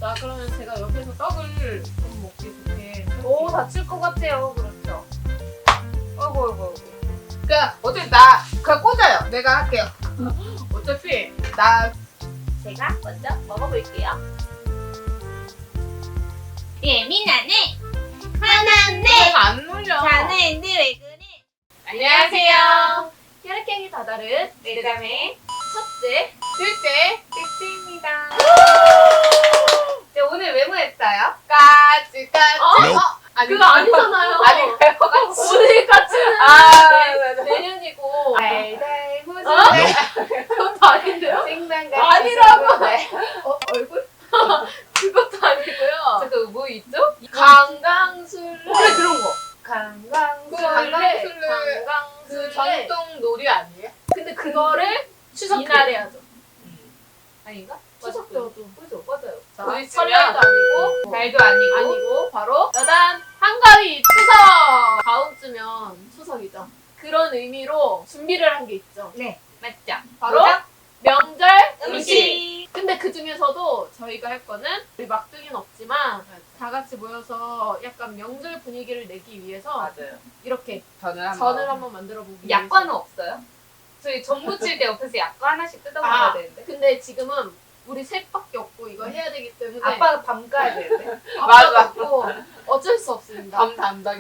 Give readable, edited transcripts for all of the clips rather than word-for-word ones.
자, 그러면 제가 옆에서 떡을 좀 먹기 좋게. 오, 다칠 것 같아요. 그렇죠. 어이구. 그러니까 어차피 그냥 꽂아요. 내가 할게요. 어차피 제가 먼저 먹어볼게요. 예민하네. 화났네. 내가 안 눌려. 자네인데 왜 그래? 안녕하세요. 혈액형이 다다른 내자매 첫째 둘째 띠띠입니다. 네, 오늘 왜 모였어요? 까치. 아니, 그거 아니잖아요. 아닌가요? 오늘 까치는 맞아. 내년이고 달달 무슨 그것도 아닌데요? 생방송 아니라고. 얼굴? 그것도 아니고요. 잠깐 뭐 있죠? 강강술래. 그래 그런 거. 강강술래 그 전통 놀이 아니에요? 근데 그거를 추석 이날 해야죠. 아닌가? 추석 때도. 그죠, 맞아요. 자, 우리 설날도 아니고 달도 아니고 아니고 바로 여단 한가위 추석. 다음 주면 추석이죠. 그런 의미로 준비를 한 게 있죠. 네, 맞죠. 바로 뭐죠? 명절 음식. 근데 그 중에서도 저희가 할 거는 우리 막둥이는 없지만 다 같이 모여서 약간 명절 분위기를 내기 위해서 맞아요. 이렇게 전을 한번 만들어 보기 약과는 없어요? 저희 전 부칠 때 옆에서 약과 하나씩 뜯어먹어야 되는데. 근데 지금은 우리 셋밖에 없고 이거 해야 되기 때문에 아빠가 밤 까야 되는데. 아빠가 맞아. 없고 어쩔 수 없습니다. 밤 담당이.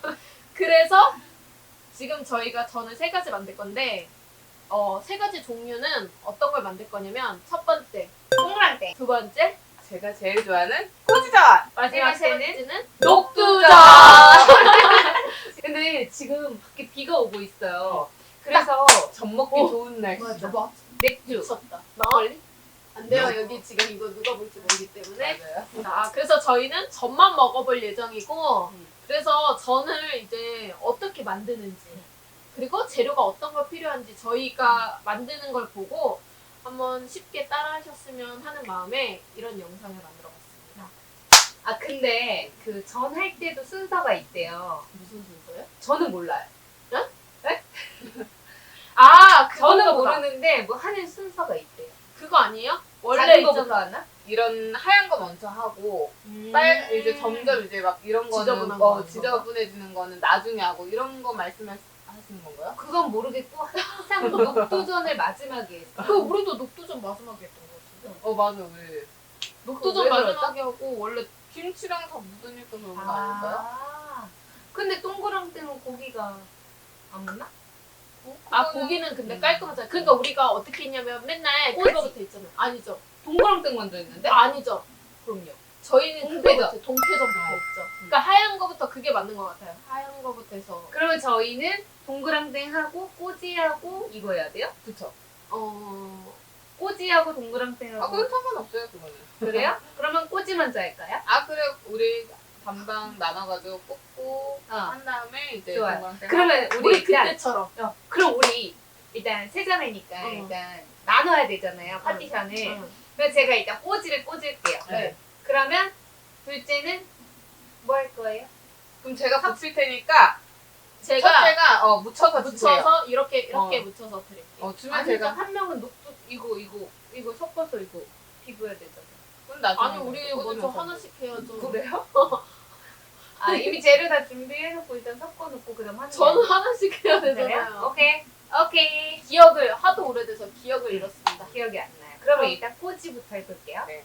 그래서 지금 저희가 전을 3가지 만들 건데 3가지 종류는 어떤 걸 만들 거냐면 첫 번째, 동그랑땡. 두 번째, 제가 제일 좋아하는 꼬지전. 마지막 세 번째는 번째는 녹두전. 녹두전. 근데 지금 밖에 비가 오고 있어요. 그래서 전 먹기 좋은 날씨. 맞아. 맥주. 미쳤다. 막걸리? 안 돼요. 여기 지금 이거 누가 볼지 모르기 때문에. 맞아요. 그래서 저희는 전만 먹어볼 예정이고 그래서 전을 이제 어떻게 만드는지 그리고 재료가 어떤 거 필요한지 저희가 만드는 걸 보고 한번 쉽게 따라 하셨으면 하는 마음에 이런 영상을 만들어 봤습니다. 아 근데 그 전 할 때도 순서가 있대요. 무슨 순서요? 저는 몰라요. 네? 아 저는 그건가 보다. 모르는데 뭐 하는 순서가 있대요. 그거 아니에요? 원래 작은 거부터 있잖아. 하나? 이런 하얀 거 먼저 하고 이제 점점 이제 막 이런 거는 지저분한 거 하는 지저분해지는 거는 나중에 하고 이런 거 말씀하시는 건가요? 그건 모르겠고 항상 녹두전을 마지막에 했어. 그 우리도 녹두전 마지막에 했던 거 같은데. 맞아 왜 녹두전 왜 마지막에 하고 원래 김치랑 다 묻으니까 그런 거 아닐까요? 아 근데 동그랑땡은 고기가 안 묻나? 고기는 근데 깔끔하잖아요. 그러니까 우리가 어떻게 했냐면 맨날 그거부터 있잖아요. 아니죠. 동그랑땡 먼저 했는데? 아니죠. 그럼요. 저희는 동태전. 동태전부터 했죠. 그러니까 하얀 거부터 그게 맞는 것 같아요. 하얀 거부터 해서 그러면 저희는 동그랑땡하고 꼬지하고 이거 해야 돼요? 그쵸. 꼬지하고 동그랑땡하고 그건 상관없어요 그거는. 그래요? 그러면 꼬지 먼저 할까요? 그래 우리 반반 나눠가지고 꽂고 한 다음에 이제 좋아요. 동그랑땡 그러면 우리 우리 일단 그때처럼 그럼 우리 일단 세자매니까 일단 나눠야 되잖아요 파티션을. 그래서 제가 일단 꼬지를 꽂을게요. 네. 그러면 둘째는 뭐 할 거예요? 그럼 제가 붙일 테니까 제가 첫째가 묻혀서 주세요. 묻혀서 이렇게 묻혀서 드릴게요. 주면 아니죠. 제가 한 명은 녹두 이거 섞어서 이거 비벼야 되잖아요. 그럼 나중에 아니 우리 먼저 하나씩 해야죠. 그래요? 이미 재료 다 준비해놓고 일단 섞어놓고 그다음 하는 저는 거예요? 하나씩 해야 그래요? 되잖아요. 오케이. 기억을 하도 오래돼서 기억을 잃었습니다. 기억이 안 나요. 그러면 일단 꼬지부터 해볼게요. 네.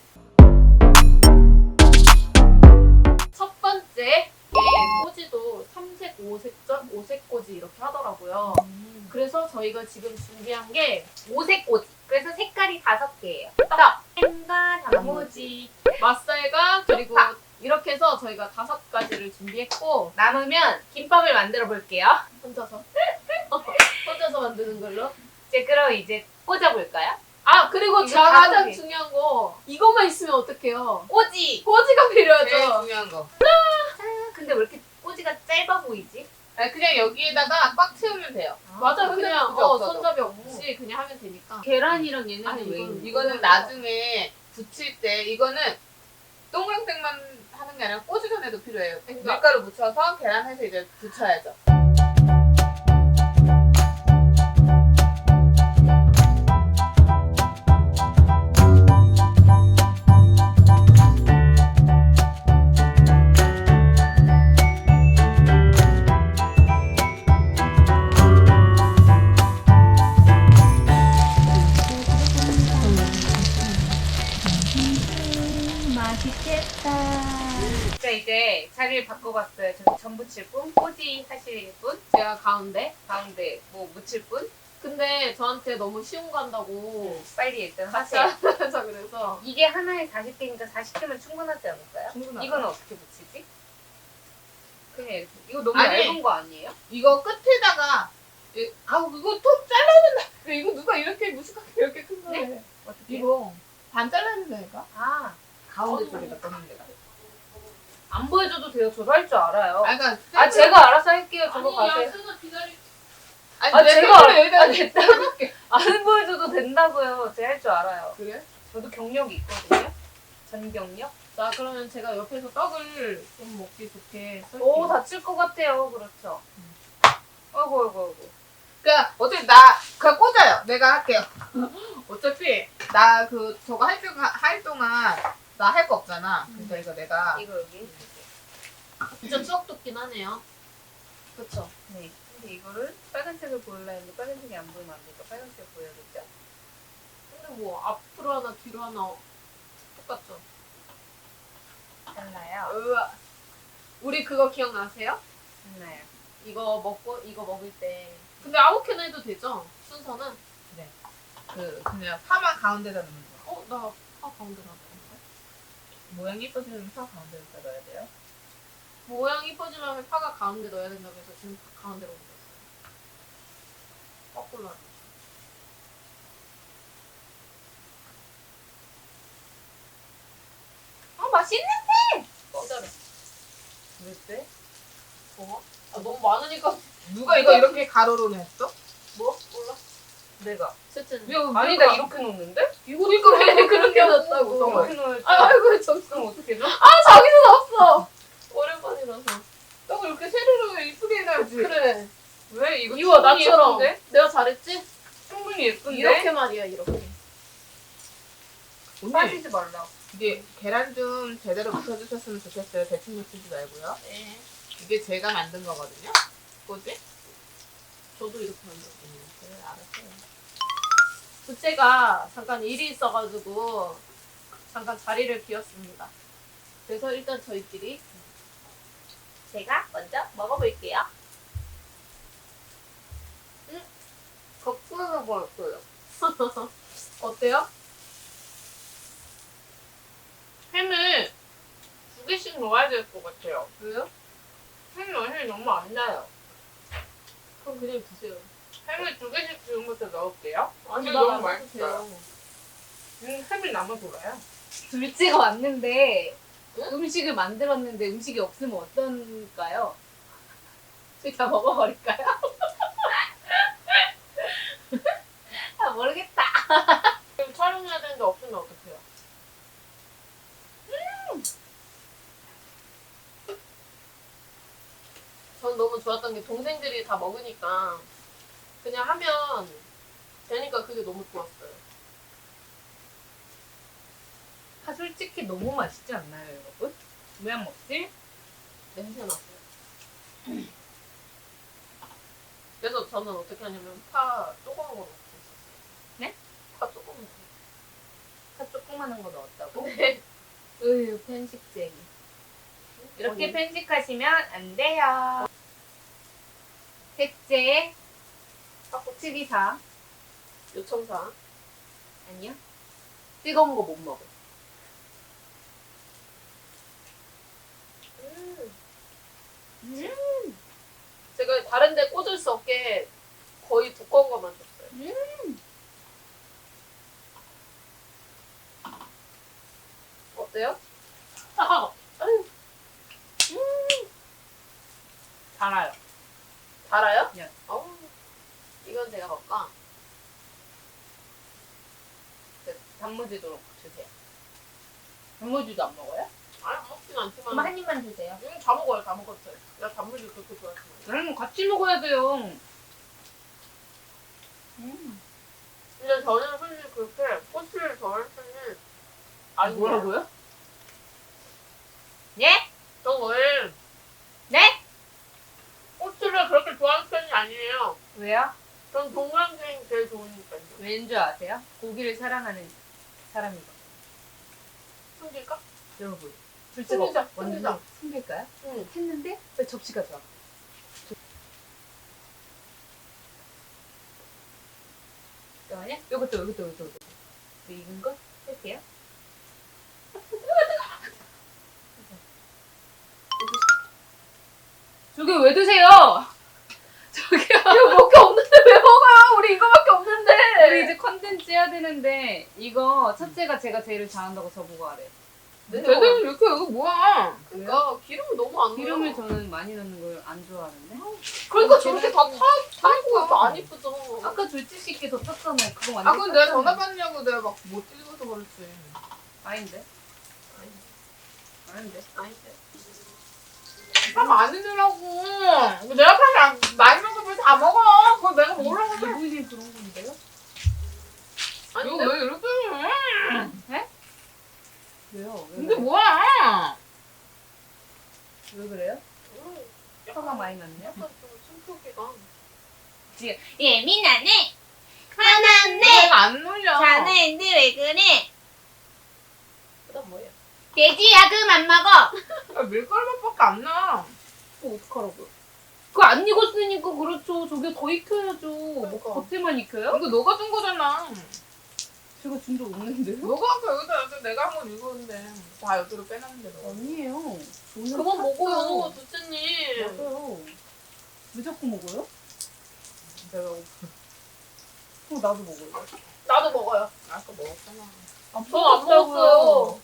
첫 번째 꼬지도 3색, 5색전, 5색 꼬지 이렇게 하더라고요. 그래서 저희가 지금 준비한 게 오색 꼬지. 그래서 색깔이 5개예요. 떡, 햄과 단무지. 맛살과 그리고 쪽파. 이렇게 해서 저희가 5가지를 준비했고 남으면 김밥을 만들어 볼게요. 혼자서 만드는 걸로. 그럼 이제 꽂아볼까요? 그리고 이거 가장 다섯 개. 중요한 거 이것만 있으면 어떡해요? 꼬지. 꼬지가 제일 필요하죠. 중요한 거. 근데 왜 이렇게 꼬지가 짧아 보이지? 그냥 여기에다가 꽉 채우면 돼요. 맞아 그냥 그게 없어도. 손잡이 없이 그냥 하면 되니까. 계란이랑 얘네는 아니, 왜 이건- 있는 이거는 나중에 붙일 때 이거는 동그랑땡만 하는 게 아니라 꼬지전에도 필요해요. 그러니까. 밀가루 묻혀서 계란 해서 이제 붙여야죠. 맛있겠다. 자, 이제 자리를 바꿔봤어요. 저기 전 부칠 분, 꼬지 하실 분, 제가 가운데. 가운데 뭐 묻힐 분. 근데 저한테 너무 쉬운 거 한다고 빨리 일단 같이 하세요. 하자 그래서. 이게 하나에 40개니까 40개면 충분하지 않을까요? 충분하죠. 이건 어떻게 붙이지? 그냥 이렇게. 이거 너무 아니. 얇은 거 아니에요? 이거 끝에다가 아우 그거 톱 잘라야 된다. 이거 누가 이렇게 무식하게 이렇게 큰 거래. 네? 어떻게? 이거 반 잘라야 된다니까. 아, 가운데 쪽에다 꽂는 데가. 안 보여줘도 돼요. 저도 할 줄 알아요. 아 그러니까 아, 제가 알아서 할게요. 저거 아니 가세요. 야수가 기다리. 아니 아, 내 제가 손으로 여기다 아, 됐다고. 안 보여줘도 된다고요. 제가 할 줄 알아요. 그래? 저도 경력이 있거든요. 전경력. 자 그러면 제가 옆에서 떡을 좀 먹기 좋게 썰게요. 오, 다칠 것 같아요. 그렇죠. 아이고, 아이고, 아이고. 그러니까 어차피 나 그냥 꽂아요. 내가 할게요. 어차피 나 그 저거 할 동안 나 할 거 없잖아. 그러니까 이거 내가 이거 여기. 진짜 추억 돋긴 하네요. 그쵸? 네. 근데 이거를 빨간색을 보여라 했는데 빨간색이 안 보이면 안 되니까 빨간색 보여야겠죠? 근데 뭐 앞으로 하나 뒤로 하나 똑같죠? 달라요. 으아. 우리 그거 기억나세요? 달라요. 이거 먹고 이거 먹을 때 근데 아무렇게나 해도 되죠? 순서는? 그 그냥 파만 가운데다 넣는 거. 나 가운데 놨는데 모양이 예뻐지면 파 가운데다 넣어야 돼요. 모양이 이뻐지려면 파가 가운데 넣어야 된다고 해서 지금 가운데로 옮겼어요. 거꾸로 하죠. 맛있는데! 기다려. 왜 때? 뭐? 너무 많으니까 누가 이거 이렇게 가로로 했어? 뭐? 몰라? 내가. 셋째는 아니, 나 이렇게 놓는데? 이거 왜 그렇게 놨다고 이렇게 놓을지. 아이고 저 그럼 어떻게 줘? 자기는 없어 오랜만이라서 떡을 이렇게 세로로 이쁘게 해놔야지. 그래 왜? 이거 이거 충분히 나처럼 예쁜데? 내가 잘했지? 충분히 예쁜데? 이렇게 말이야 이렇게 언니 빠지지 말라. 이게 계란 좀 제대로 묻혀주셨으면 좋겠어요. 대충 묻히지 말고요. 네 이게 제가 만든 거거든요. 뭐지? 저도 이렇게 만들었어요 그래 알았어요. 부채가 잠깐 일이 있어가지고 잠깐 자리를 비웠습니다 그래서 일단 저희끼리 제가 먼저 먹어볼게요. 거꾸로 먹었어요 어때요? 햄을 2개씩 넣어야 될 것 같아요. 왜요? 햄이 너무 안 나요. 그럼 그냥 드세요 햄을 2개씩 지금부터 넣을게요. 아니 이거 나 너무 안 맛있어요. 드세요 햄이 남아 돌아요. 둘째가 왔는데 응? 음식을 만들었는데 음식이 없으면 어떨까요? 저희 다 먹어버릴까요? 아, 모르겠다. 지금 촬영해야 되는데 없으면 어떡해요? 전 너무 좋았던 게 동생들이 다 먹으니까 그냥 하면 되니까 그게 너무 좋았어요. 파 솔직히 너무 맛있지 않나요, 여러분? 왜 안 먹지? 냄새 났어요. 그래서 저는 어떻게 하냐면 파 조그만 거 넣고 있었어요. 네? 파 조그만 거. 파 조그만한 거 넣었다고? 네. 으유, 편식쟁이. 이렇게 편식하시면 안 돼요. 셋째, 파 특이사. 요청사. 아니요. 뜨거운 거 못 먹어. 제가 다른 데 꽂을 수 없게 거의 두꺼운 것만 줬어요. 어때요? 달아요. 달아요? 네. 이건 제가 먹까? 단무지도 주세요. 단무지도 안 먹어요? 아니 먹진 그럼 않지만 한 입만 주세요. 다 먹어요. 다 먹었어요. 나 단무지 그렇게 좋아하지 같이 먹어야 돼요. 근데 저는 솔직히 그렇게 꼬치를 좋아할 때는 아니 뭐라고요? 네? 저 원래 네? 꼬치를 그렇게 좋아하는 편이 아니에요. 왜요? 전 동그랑땡이 제일 좋으니까요. 왠 줄 아세요? 고기를 사랑하는 사람이거든요. 숨길까? 여러분. 숨기자, 완전 숨기자. 숨길까요? 응. 했는데 왜 접시가 좋아? 잠깐만요. 요것도. 네, 익은 거 할게요. 저기 왜 드세요? 저기요. 이거밖에 없는데 왜 먹어요? 우리 이거밖에 없는데. 우리 이제 컨텐츠 해야 되는데 이거 첫째가 제가 제일 잘한다고 저보고 하래. 쟤들 이렇게 이거 뭐야? 그러니까 기름을 너무 안 넣어. 기름을 저는 많이 넣는 걸 안 좋아하는데. 그러니까 저렇게 다 타고 안 이쁘죠. 아까 둘째씩게 더 탔잖아요. 그거 아 완전. 근데 내가 전화 받느냐고 내가 막 못 찍어서 그렇지. 아닌데. 아닌데. 아닌데. 아 많이 넣으라고. 내가 사실 많이 먹으면 다 먹어. 그거 내가 먹으라고 그래. 이분이 그런 건데요? 이거 아닌데. 왜 이렇게 해? 왜요? 근데 뭐야? 왜 그래요? 약간 화가 많이 났네요. 약간 좀 숨기가. 예민하네. 화났네. 내가 안 놀려. 자네인데 왜 그래? 그다음 뭐예요? 돼지야 그만 먹어. 야, 밀가루 맛밖에 안 나. 그거 어떡하라고요? 그거 안 익었으니까 그렇죠. 저게 더 익혀야죠. 뭐 그러니까. 겉에만 익혀요? 이거 너가 준 거잖아. 제가 준 적 없는데요? 너가 아까 여기다 내가 한 건 이거인데 다 여기로 빼놨는데 너. 아니에요. 저는 그만 샀어요. 먹어요, 두째님. 맞아요. 왜 자꾸 먹어요? 내가 그럼 나도 먹어요. 나도 먹어요. 아까 먹었잖아. 저안 먹었어요.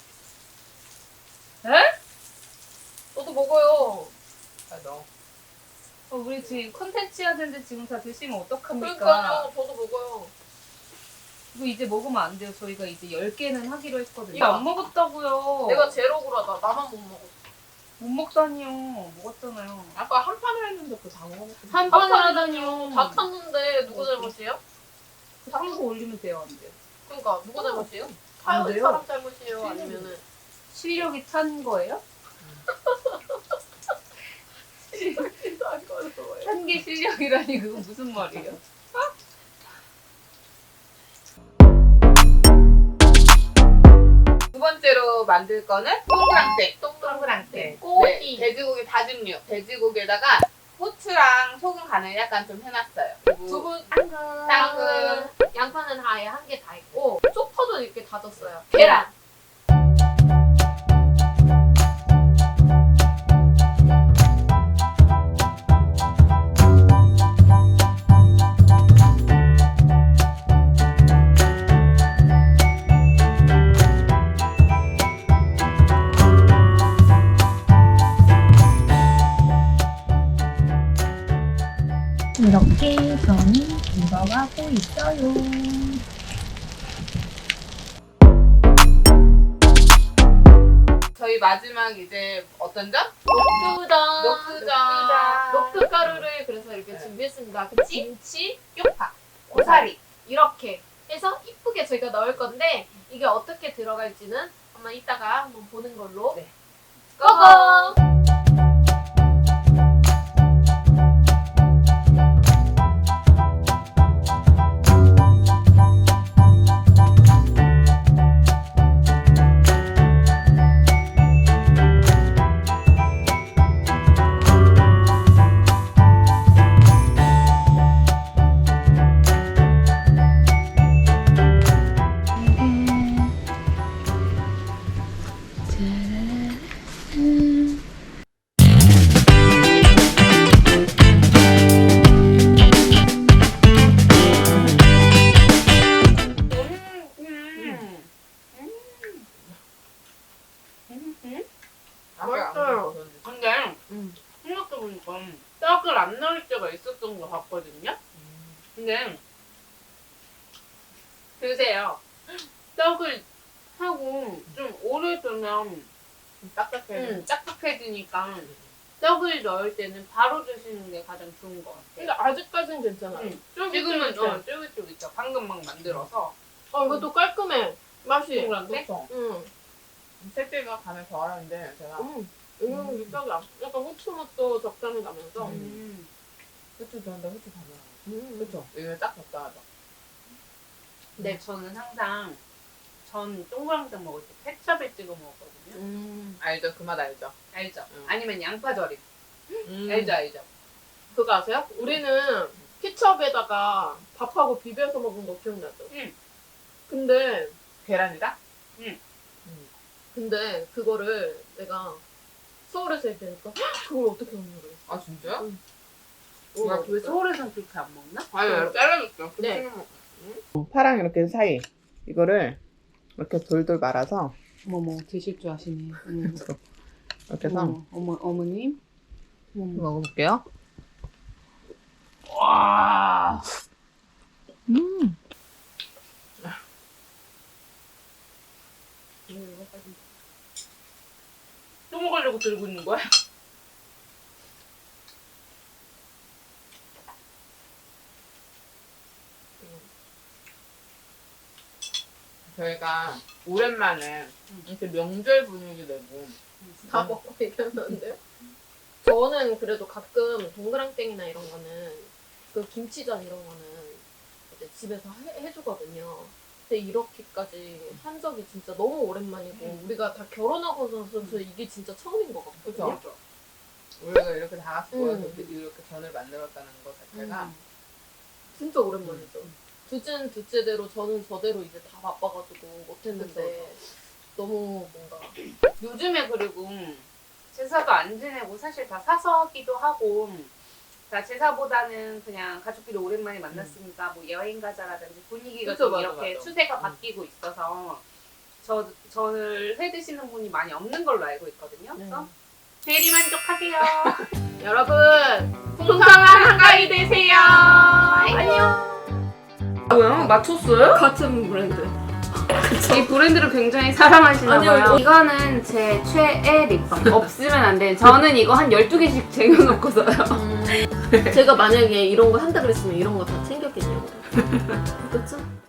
에? 저도 먹어요. 아 너. 우리 지금 컨텐츠 해야 되는데 지금 다 드시면 어떡합니까? 그러니까요, 저도 먹어요. 이거 이제 먹으면 안 돼요. 저희가 이제 10개는 하기로 했거든요. 이거 안 먹었다고요. 내가 제일 억울하다. 나만 못 먹었어. 못 먹다니요. 먹었잖아요. 아까 한 판을 했는데 그거 다 먹었어. 한 판을 하다니요. 다 탔는데 누구 잘못이에요? 탕수 올리면 돼요, 안 돼요? 그러니까 누구 잘못이에요? 안 타요 돼요. 사람 잘못이에요? 아니면은 실력이 찬 거예요? 찬 게 실력이라니 그거 무슨 말이에요? 두 번째로 만들 거는 동그랑땡. 동그랑땡. 꼬리. 돼지고기 다짐류. 돼지고기에다가 후추랑 소금 간을 약간 좀 해놨어요. 그리고 두부 당근. 양파는 아예 한 개 다 있고 쪽파도 이렇게 다졌어요. 계란. 이렇게 저는 익어가고 있어요. 저희 마지막 이제 어떤 점? 녹두전. 녹두전. 녹두 가루를 그래서 이렇게 네. 준비했습니다. 그 김치, 쪽파, 고사리. 이렇게 해서 이쁘게 저희가 넣을 건데 이게 어떻게 들어갈지는 한번 이따가 한번 보는 걸로. 네. 고고! 맛있어요. 근데 생각해보니까 떡을 안 넣을 때가 있었던 것 같거든요. 근데 드세요. 떡을 하고 좀 오래 두면 딱딱해지니까 떡을 넣을 때는 바로 드시는 게 가장 좋은 것 같아요. 근데 아직까지는 괜찮아요. 지금은 쫄깃쫄깃해. 쫄깃쫄깃죠. 방금 막 만들어서. 이것도 깔끔해. 맛이. 동그란데? 응. 셋째가 간을 더 하는데 제가 이거는 밑밥이 약간 후추 맛도 적당히 나면서. 후추 좋은데 후추 다 넣어. 음. 그렇죠. 이거 딱 적당하죠. 근데 저는 항상 전 동그랑땡 먹을 때 케첩에 찍어 먹었거든요. 알죠? 그 맛 알죠? 알죠? 음. 아니면 양파절임. 알죠, 알죠. 그거 아세요? 우리는 케첩에다가 밥하고 비벼서 먹은 거 기억나죠? 응. 근데 계란이다? 그거를 내가 서울에서 얘기하니까 그걸 어떻게 먹는 거야? 아 진짜요? 왜 서울에서는 그렇게 안 먹나? 아니 잘라줄게요. 네. 파랑 이렇게 사이 이거를 이렇게 돌돌 말아서 어머 드실 줄 아시네. 이렇게 해서 어머님. 먹어볼게요. 와. 또 먹으려고 들고 있는 거야? 저희가 오랜만에 이렇게 명절 분위기 내고 다 먹고 얘기하는데요? 저는 그래도 가끔 동그랑땡이나 이런 거는 그 김치전 이런 거는 이제 집에서 해주거든요. 근데 이렇게까지 한 적이 진짜 너무 오랜만이고 우리가 다 결혼하고 나서 이게 진짜 처음인 것 같거든요. 그쵸? 우리가 이렇게 다 같이 모여서 음. 이렇게 전을 만들었다는 것 자체가 진짜 오랜만이죠. 둘째는 둘째대로 저는 저대로 이제 다 바빠가지고 못했는데 너무 뭔가 요즘에 그리고 제사도 안 지내고 사실 다 사서 하기도 하고 다 제사보다는 그냥 가족끼리 오랜만에 만났으니까 뭐 여행 가자라든지 분위기가 그쵸, 좀 맞아, 이렇게 맞아. 추세가 바뀌고 있어서 전을 해 드시는 분이 많이 없는 걸로 알고 있거든요. 그래서 대리 만족하세요. 여러분 풍성한 한가위 되세요. 안녕. 뭐야? 맞췄어요? 같은 브랜드. 이 브랜드를 굉장히 사랑하시나 아니요, 봐요. 이거는 제 최애 립밤. 없으면 안 돼. 저는 이거 한 12개씩 쟁여놓고 써요. 제가 만약에 이런 거 한다 그랬으면 이런 거 다 챙겼겠냐고. 그렇죠?